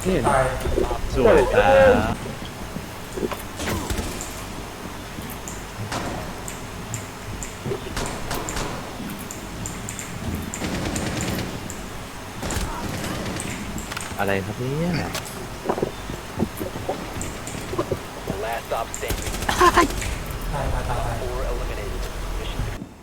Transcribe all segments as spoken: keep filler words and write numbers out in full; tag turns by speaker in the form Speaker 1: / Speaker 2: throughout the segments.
Speaker 1: นี่
Speaker 2: ตาย
Speaker 3: สวยครับอะไรครับเนี่ย
Speaker 4: Last stop standing.
Speaker 2: ตายตายตายตาย
Speaker 4: Four eliminated. Mission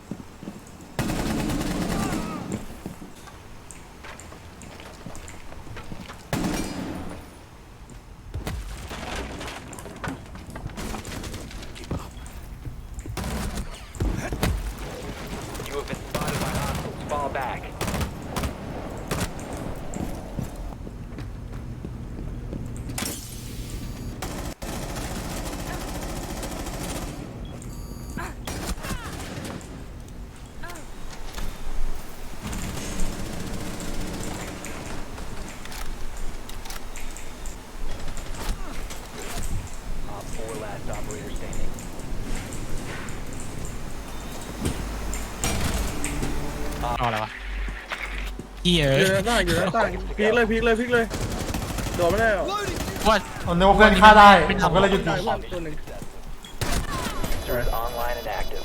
Speaker 4: You have been spotted by hostiles. Fall back. Op four last operator standing.
Speaker 5: เอาอะไรวะเฮีย
Speaker 1: อยู่ในหน้าอยู่ในหน้าพีกเลยพีกเลยพีกเลยโดนไม่ได้หรอ
Speaker 5: ว่า
Speaker 2: ผมนึกว่าเพื่อนฆ่าได้ผมก็เลยหยุดยิ
Speaker 1: ตาย
Speaker 2: ง
Speaker 1: ว่าตัวหนึ่ง
Speaker 4: Is online and active.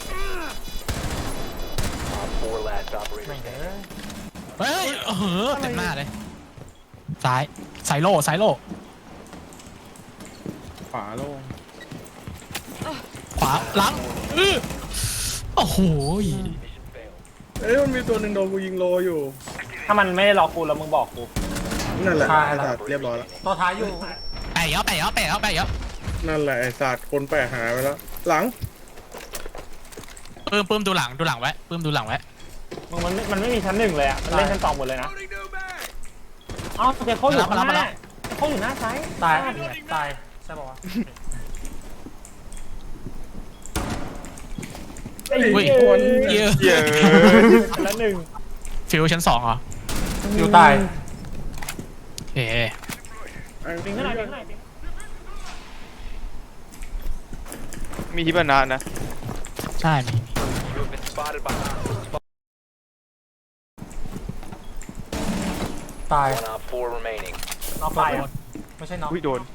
Speaker 4: Op four last operator
Speaker 2: แม่ง
Speaker 4: standing.
Speaker 2: เอ้ย
Speaker 5: เฮ้ยเออเต็มหน้าเลยซ้ายสายโล่สายโล่
Speaker 1: ขวาโล่ง
Speaker 5: ขวาหลังอื้อโอ้โห
Speaker 4: Mission failed.
Speaker 1: เอ้ยมันมีตัวหนึ่งโดนกูยิงโลอยู่
Speaker 6: ถ้ามันไม่ได้ล็อกกูแล้วมึงบอกกู
Speaker 1: นั่นแหละไอ้สัตว์เรียบร้อยแล้ว
Speaker 2: ตัวท้ายอยู่
Speaker 5: ไปเยอะไปเยอะไปเยอะไปเยอะ
Speaker 1: นั่นแหละไอ้สัตว์คนแปลกหายไปแล้วหลัง
Speaker 5: ปื้มปื้มดูหลังดูหลังไว้ปื้มดูหลังไว้
Speaker 6: มึงมันไม่มันไม่มีชั้นหนึ่งเลยอ่ะ มันเล่นชั้นสองหมดเลยนะเอ้าเจโคอยู่ข้างหน้าเจโคอยู่หน้าซ้าย
Speaker 2: ตายตายใช่ป่าวะ
Speaker 6: ไอ้
Speaker 5: อุ้ย
Speaker 6: เหี้ย
Speaker 5: เยอะ
Speaker 1: เย้
Speaker 6: อันละหนึ่ง
Speaker 5: ฟิวชั้นสองเหรอ
Speaker 2: อยู่ตาย
Speaker 5: เอ๋
Speaker 6: ปิงข้างในปิงข้างในปิง
Speaker 7: มีฮิบานะนะ
Speaker 5: ใช่มี
Speaker 4: You have been spotted by hostiles.
Speaker 2: ตาย
Speaker 4: One op four remaining.
Speaker 6: น้องไปอ่ะ
Speaker 2: ไม่ใช่น้อง
Speaker 7: อุ้ยโดน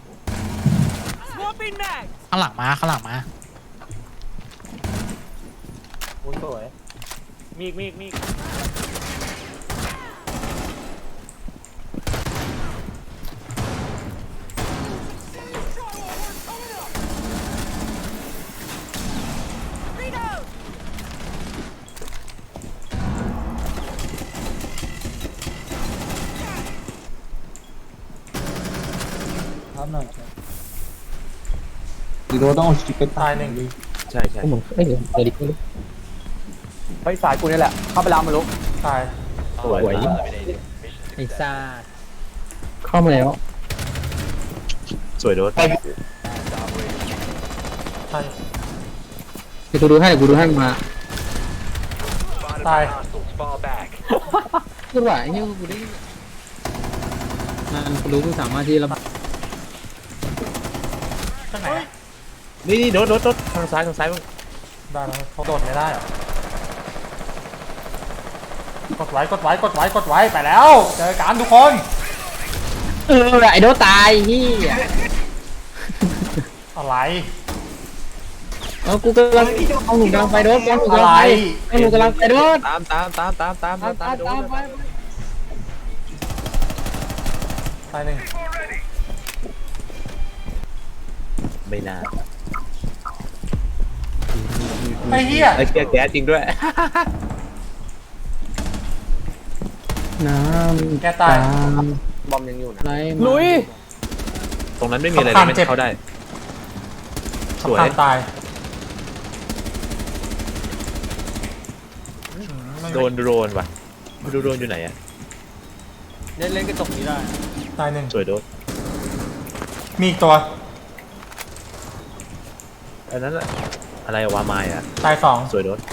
Speaker 5: ข้างหลังมาข้างหลังมา
Speaker 6: โอ้ยสวย มีอีกมีอีกมีอีก
Speaker 2: ตายหนึ่ง
Speaker 3: ใช่ใช่
Speaker 6: เฮ้ยสายกูนี่แหละ เข้าไปแล้วมาลุก
Speaker 2: ตาย
Speaker 3: สวย
Speaker 4: Eliminated. Mission
Speaker 6: ไอ้
Speaker 4: success.
Speaker 6: ซ่าเข้ามาแล้ว
Speaker 3: สวยโดด
Speaker 4: Last operator.
Speaker 2: ตาย
Speaker 6: เดี๋ยวกูดูให้เดี๋ยวกูดูให้มา
Speaker 4: Spotted
Speaker 2: Bye.
Speaker 4: by hostiles. Fall back.
Speaker 6: พูดว่าไอ้เนี่ยกูได้มันกูรู้กูสามารถที่จะ
Speaker 2: ข้างไหน
Speaker 3: นี่นี่โดดโดดโดดทางซ้ายทางซ้ายมึง
Speaker 2: ได้แล้วเขาโดดไม่ได้เหรอ กดไว้กดไว้กดไว้กดไว้ไปแล้ว เจอกันทุกคน
Speaker 6: เออไอ้โดตายที่
Speaker 2: อะไร
Speaker 6: เออกูกำลังเอาหนุ่มกำลังไปโดดบอลหนุ่มกำลังไปไอ้หนุ่มกำลังไปโดด
Speaker 3: ตามตามตามตามตาม
Speaker 6: ตามตามตามไป
Speaker 2: ตายหนึ่ง
Speaker 3: ไม่นาน
Speaker 2: ไอ้เหี้ย
Speaker 3: ไอ้เกียร์แก๊สจริงด้วย
Speaker 6: น้ำ
Speaker 2: แกตาย
Speaker 6: บอมยังอยู่นะลุย
Speaker 3: ตรงนั้นไม่มีอะไรเลยไม่เข้าได้ สวย
Speaker 2: สำคัญตาย
Speaker 3: โดนโดรนว่ะโดนโดรนอยู่ไหนอะ
Speaker 6: เล่นเล่นกระจกนี้ได้
Speaker 2: ตายหนึ่ง
Speaker 3: สวยโดด
Speaker 2: มีอีกตัว
Speaker 3: อันนั้นอะอะไรวะไม้อะ
Speaker 2: ตายสอง
Speaker 3: สวยโดด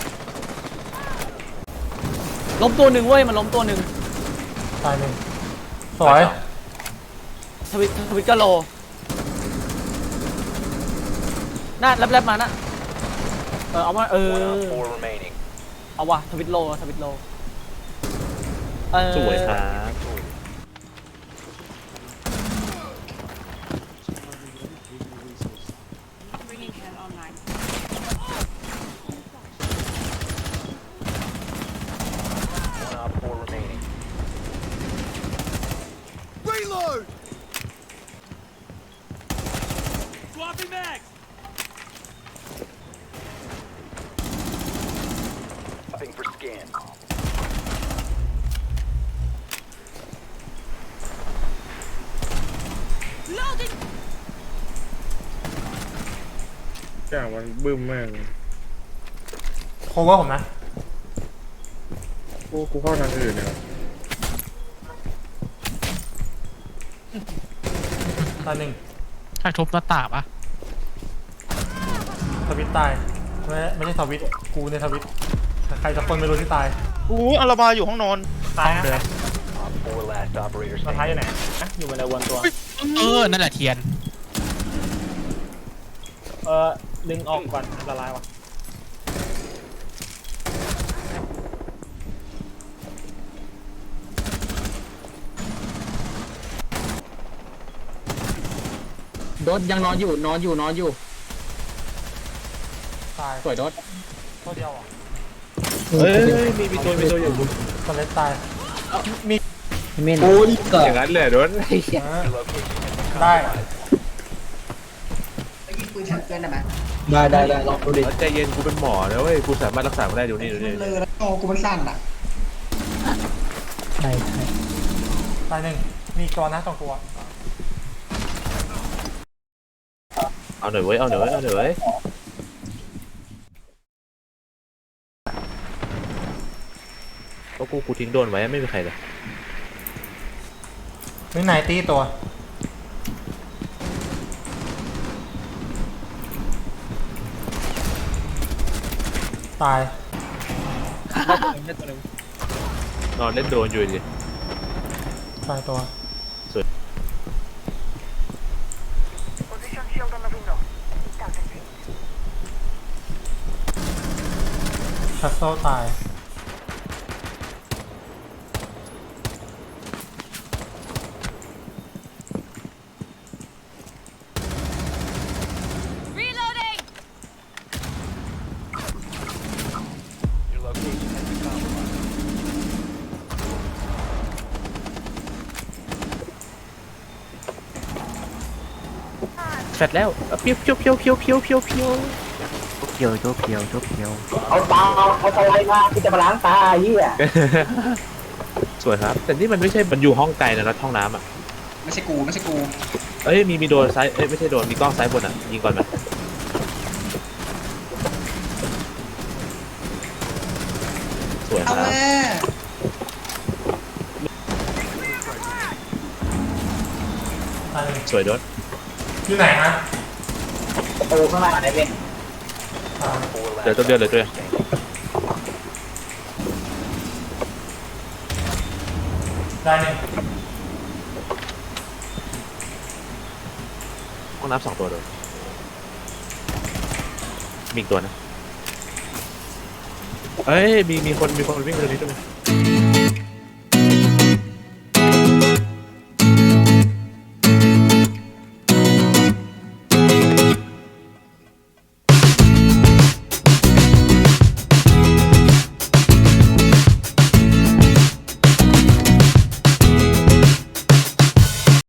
Speaker 6: ล้มตัวหนึ่งเว้ยมันล้มตัวหนึ่ง
Speaker 2: ตายหนึ่งสวย
Speaker 6: ทวิตทวิตก็โลน่าแลบๆมานะเออเอามาเอ
Speaker 4: One
Speaker 6: อ
Speaker 4: op four remaining.
Speaker 6: เอาวะทวิตโลทวิตโลเออ
Speaker 3: สวยครับ
Speaker 4: Victorious.
Speaker 1: อย่างมันบึ้มแม่ง
Speaker 2: โคเวอร์ผมนะ
Speaker 1: กูกูเข้าทางอื่นเนี่ย
Speaker 2: ตายหนึ่ง
Speaker 5: ใครทุบหน้าต่างปะ
Speaker 2: ทวิตตายไม่ไม่ใช่ทวิตกูในทวิตใครสักคนไม่รู้ที่ตาย
Speaker 7: อู้อาราบาอยู่ห้องนอน
Speaker 6: ตายนะ
Speaker 2: เดือด
Speaker 4: Op four last operator
Speaker 6: มาท้ายอยู่
Speaker 4: standing.
Speaker 6: ไหนนะอยู่บนไดวนตัว
Speaker 5: เออ นั่นแหละเทียน
Speaker 6: เออดึงออกก่อนอันตรายวะ
Speaker 8: โดดยังนอนอยู่นอนอยู่นอนอยู่
Speaker 2: ตาย
Speaker 8: สวยโดด
Speaker 2: ตัวเดียวอ่ะ
Speaker 3: เฮ้ยเฮ้ยมีมีตัวมีตัวอยู่
Speaker 2: สเลตตายมี
Speaker 8: เมนโอ้ยเกิ
Speaker 3: อ
Speaker 8: ด
Speaker 3: ย่างนั้นเลยโดน
Speaker 2: เออ
Speaker 4: Your location has been
Speaker 2: ได้
Speaker 8: ได้ได้ได้ลองดูดิ
Speaker 3: ใจเย็นกูเป็นหมอนะเว้ยกูสามารถรักษามันได้ดูนี่ดูนี่
Speaker 8: เลยแล้วโอ้กูมันสั่นอ่ะใช่ใช่
Speaker 2: ตายหนึ่งมีอีกตัวนะสองตัว
Speaker 3: เอาหน่อยเว้ยเอาหน่อยเว้ยเอาหน่อยเว้ยก็กูกูทิ้งโดนไว้ไม่มีใครเลย
Speaker 2: มีไหนตีตัวตาย
Speaker 3: นอนเล่นโดนอยู่ดิ
Speaker 2: ตายตัวคัสโซตาย
Speaker 9: Reloading!
Speaker 4: Your location has been compromised.
Speaker 3: เสร็จแล้วเพียวเพียวเพียวเพียวเพียวเพียวเพียว
Speaker 8: เพียวโจเพียวโจเพียว
Speaker 6: เอาตาเอาสไลด์มาที่จะมาล้างตาไอ้เหี้ย
Speaker 3: สวยครับ แต่นี่มันไม่ใช่มันอยู่ห้องไกลนะรัดห้องน้ำอ่ะ
Speaker 8: ไม่ใช่กูไม่ใช่กู
Speaker 3: เอ้ยมีมีโดนซ้ายเอ้ยไม่ใช่โดนมีกล้องซ้ายบนอ่ะยิงก่อนไหมสวยครับ
Speaker 2: ตายหนึ่ง
Speaker 3: สวยโดน
Speaker 2: อยู่ไหนฮะ
Speaker 6: ประตูข้างหน้าไหนเป็น
Speaker 2: ตาย
Speaker 4: Four last
Speaker 3: เดี๋ยวตัวเดียวเลยตัวเดียว
Speaker 4: standing.
Speaker 2: ได้หนึ่ง
Speaker 3: ห้องน้ำสองตัวโดนมีอีกตัวนะเอ้ยมีมีคนมีคนวิ่งไปตรงนี้ด้วย